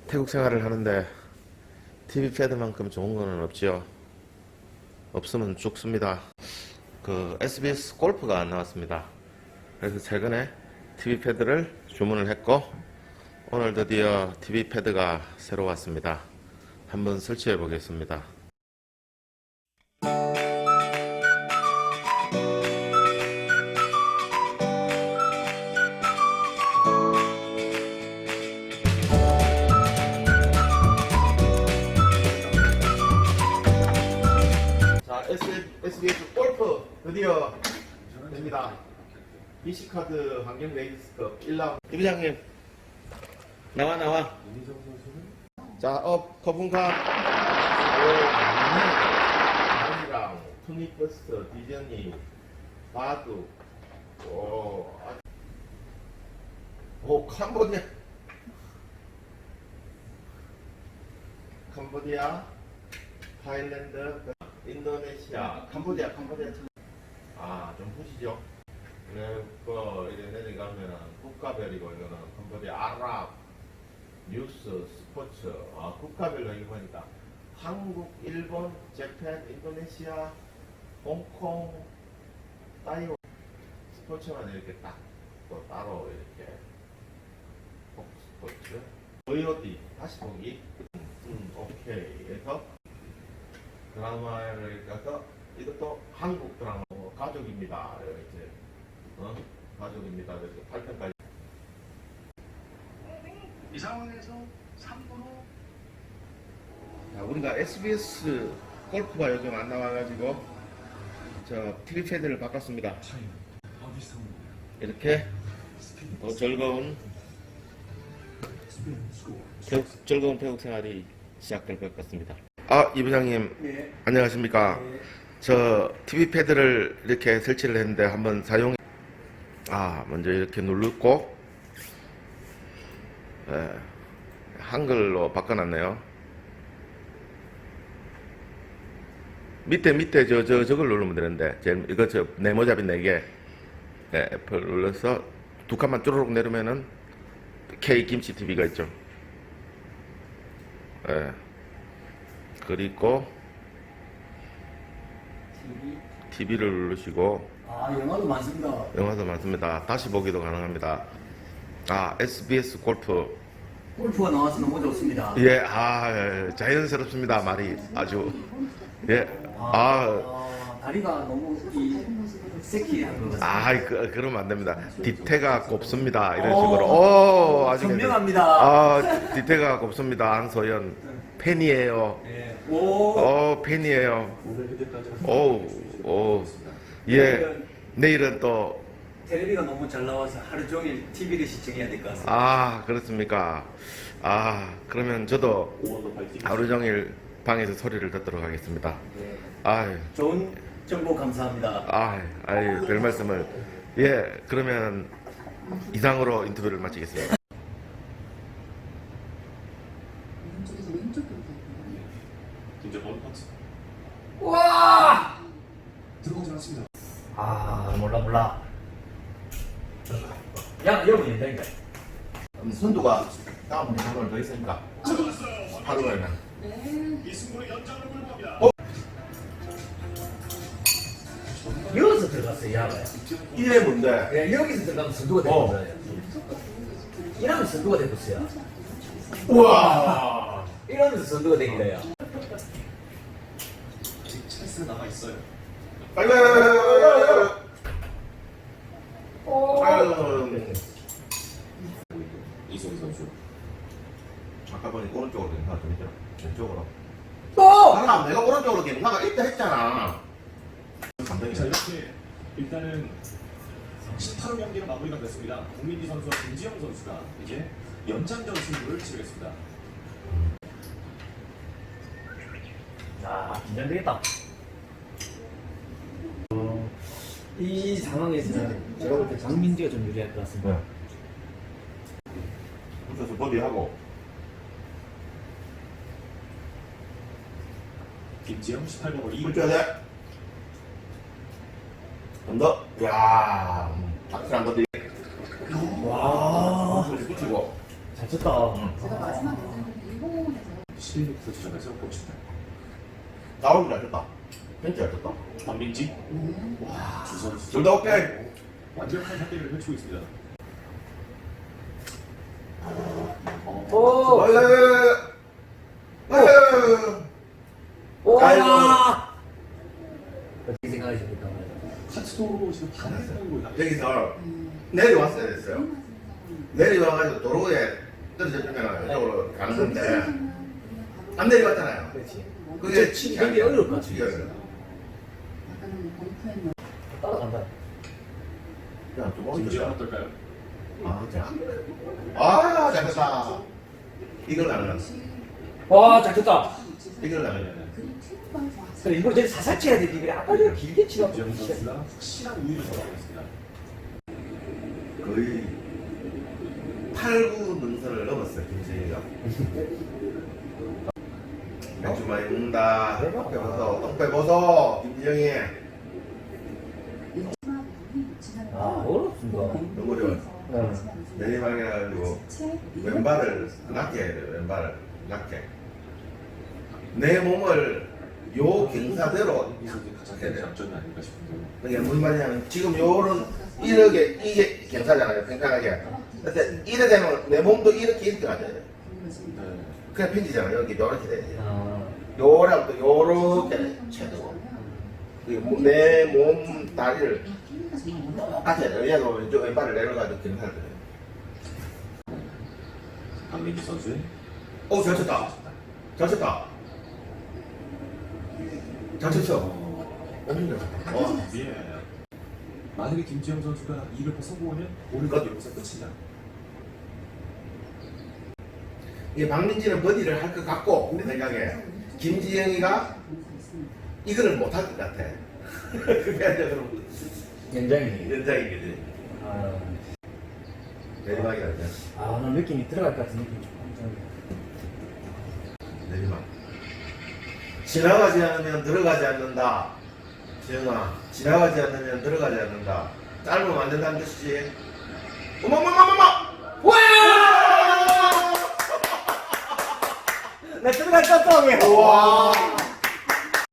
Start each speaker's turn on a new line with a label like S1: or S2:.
S1: 태국 생활을 하는데 TV 패드만큼 좋은 거는 없지요. 없으면 죽습니다. 그 SBS 골프가 안 나왔습니다. 그래서 최근에 TV 패드를 주문을 했고 오늘 드디어 TV 패드가 새로 왔습니다. 한번 설치해 보겠습니다. 자, SBS 골프 드디어 됩니다. BC카드 환경 레이스컵 1라운드. 이 부장님 나와. 자, 거품카 아니랑 투니버스 디즈니 바둑 캄보디아 타일랜드 인도네시아 캄보디아 좀 보시죠. 이래 내려가면은 국가별이고 이거는 캄보디아 아랍 뉴스 스포츠 국가별로 이거 보니까 한국, 일본, 재팬, 인도네시아, 홍콩, 타이완 스포츠만 이렇게 딱 또 따로 이렇게 스포츠 VOD 다시 보기 오케이 해서 드라마를 가서 이것도 한국 드라마 가족입니다 이렇게 가족입니다 그래서 8편까지
S2: 이 상황에서 3구로
S1: 우리가 SBS 골프가 요즘 안 나와가지고 저 TV 패드를 바꿨습니다. 이렇게 더 즐거운 태국 생활이 시작될 것 같습니다. 이 부장님
S3: 네.
S1: 안녕하십니까?
S3: 네.
S1: 저 TV 패드를 이렇게 설치를 했는데 한번 먼저 이렇게 누르고 한글로 바꿔놨네요. 밑에 저걸 누르면 되는데 이거 네모잡이 4개 애플 눌러서 두 칸만 쭈르륵 내리면은 K 김치 TV가 있죠. 그리고 TV를 누르시고
S3: 영화도 많습니다.
S1: 영화도 많습니다. 다시 보기도 가능합니다. SBS
S3: 골프가 나와서 너무 좋습니다.
S1: 자연스럽습니다. 말이 아주
S3: 다리가 너무 섹시한 것 같습니다.
S1: 그러면 안 됩니다. 디테가 곱습니다. 이런 식으로. 아주
S3: 선명합니다.
S1: 디테가 곱습니다. 안소연 팬이에요. 팬이에요. 내일은 또
S3: 텔레비가 너무 잘 나와서 하루 종일 TV를 시청해야 될 것 같습니다.
S1: 그렇습니까? 그러면 저도 하루 종일 방에서 소리를 듣도록 하겠습니다.
S3: 좋은 정보 감사합니다.
S1: 별 말씀을. 그러면 이상으로 인터뷰를 마치겠습니다.
S2: 진짜 바로 펀치
S3: 와!
S2: 들어오지 않았습니다.
S3: 몰라. 여러분 된다니까.
S1: 선두가 다음 한번 더 있으니까 하루 가면
S2: 이 승부를 연장으로 몰고 갑니다.
S3: 여기서 들어갔어요, 야가요.
S1: 이게 뭔데?
S3: 여기서 들어가면 선두가 되는 거예요. 이러면 선두가 되겠어요.
S1: 우와!
S3: 이러면서 선두가 되는 거예요.
S2: 아직 찬스가 남아 있어요.
S1: 빨리. 이승희 선수. 아까 보니 오른쪽으로 괜찮아 좀 있더라. 왼쪽으로. 내가 오른쪽으로 괜찮아 이때 했잖아.
S2: 자, 이렇게 일단은 18호 경기가 마무리가 됐습니다. 국민기 선수와 김지영 선수가 이제 연장전 승부를 치르겠습니다.
S3: 긴장되겠다. 이 상황에서는 제가 볼 때 장민지가 좀 유리할 것 같습니다.
S1: 붙여서 버디하고.
S2: 김지영 18번으로 2분.
S1: 붙여야 돼. 좀 더. 확실한 버디.
S3: 와.
S1: 붙이고.
S3: 잘 다쳤다.
S4: 제가 마지막 연장전 일본에서
S2: 11m 지점에서 꽂힌다.
S1: 나오긴 잘했다. 벤치 잘했다.
S2: 박민지.
S4: 네.
S2: 와, 두 선수.
S1: 둘 다 오케이.
S2: 완벽한 상대를 펼치고 있습니다.
S3: 오!
S1: 아이고.
S3: 와! 어떻게 생각하십니까?
S2: 카츠도 지금 반대쪽으로
S1: 여기서 내려왔어야 됐어요. 내려와가지고 도로에 떨어졌으면 이쪽으로 가는 건데 안 내려갔잖아요.
S3: 그렇지.
S1: 그게
S3: 치기 되게 어려울 것 같아.
S1: 치기 어려워.
S4: 약간 범프에
S3: 따라간다.
S1: 그냥 좀
S2: 김지영
S1: 어렵다.
S2: 어떨까요?
S1: 아, 잘했다. 이걸 나는
S3: 와, 잘 쳤다.
S1: 이걸 나는
S4: 그리고 튀는 좋았어요.
S3: 그래, 이걸 제일 살살 쳐야 되지. 그래, 아까 전에 길게 치다
S2: 김지영
S3: 보니까.
S2: 선수가 확실한 우위를 잡아고 있습니다.
S1: 거의 8, 9 능선을 넘었어요, 김지희가. 맥주 많이 먹는다. 똥 빼보소, 똥 빼보소, 김지영이.
S3: 아, 어렵습니다.
S1: 너무 어려워요. 내리막에 해가지고 왼발을 낮게 해야 돼요, 왼발을 낮게. 내 몸을 요 경사대로
S2: 이 선수의 가장
S1: 해야
S2: 큰
S1: 돼요.
S2: 장점이 아닐까 싶은데요.
S1: 이게 무슨 말이냐면 지금 요런 이게 경사잖아요, 평평하게. 근데 이래 되면 내 몸도 이렇게 가야 돼요.
S2: 네.
S1: 그냥 펴지잖아요. 여기 이렇게 돼야 돼요.
S3: 아,
S1: 요랑 또 요렇게 쳐도 내 몸 다리를 똑같이 해야 돼요. 얘도 왼쪽 왼발을 내려가지고 경사를 돼요.
S2: 박민지 선수의
S1: 오, 잘 쳤다. 잘 쳤다. 잘 쳤어. 엄청 잘 쳤다. 와.
S2: 예. 만약에 김지영 선수가 이를 성공하면 오늘까지 여기서 끝이냐?
S1: 이게 박민지는 버디를 할 것 같고 내 생각에 김지영이가 이거를 못 할 것 같아. 그게 이제 그럼
S3: 연장이.
S1: 연장이거지.
S3: 아,
S1: 내리막이라죠.
S3: 아, 난 느낌이 들어갈 것 같은 느낌이 좀.
S1: 내리막. 지나가지 않으면 들어가지 않는다. 지영아, 지나가지 않으면 들어가지 않는다. 짧으면 안 된다는 뜻이지. 어머머머머머!
S3: 와! 나 들어갈 것 같다, 왜?
S1: 와!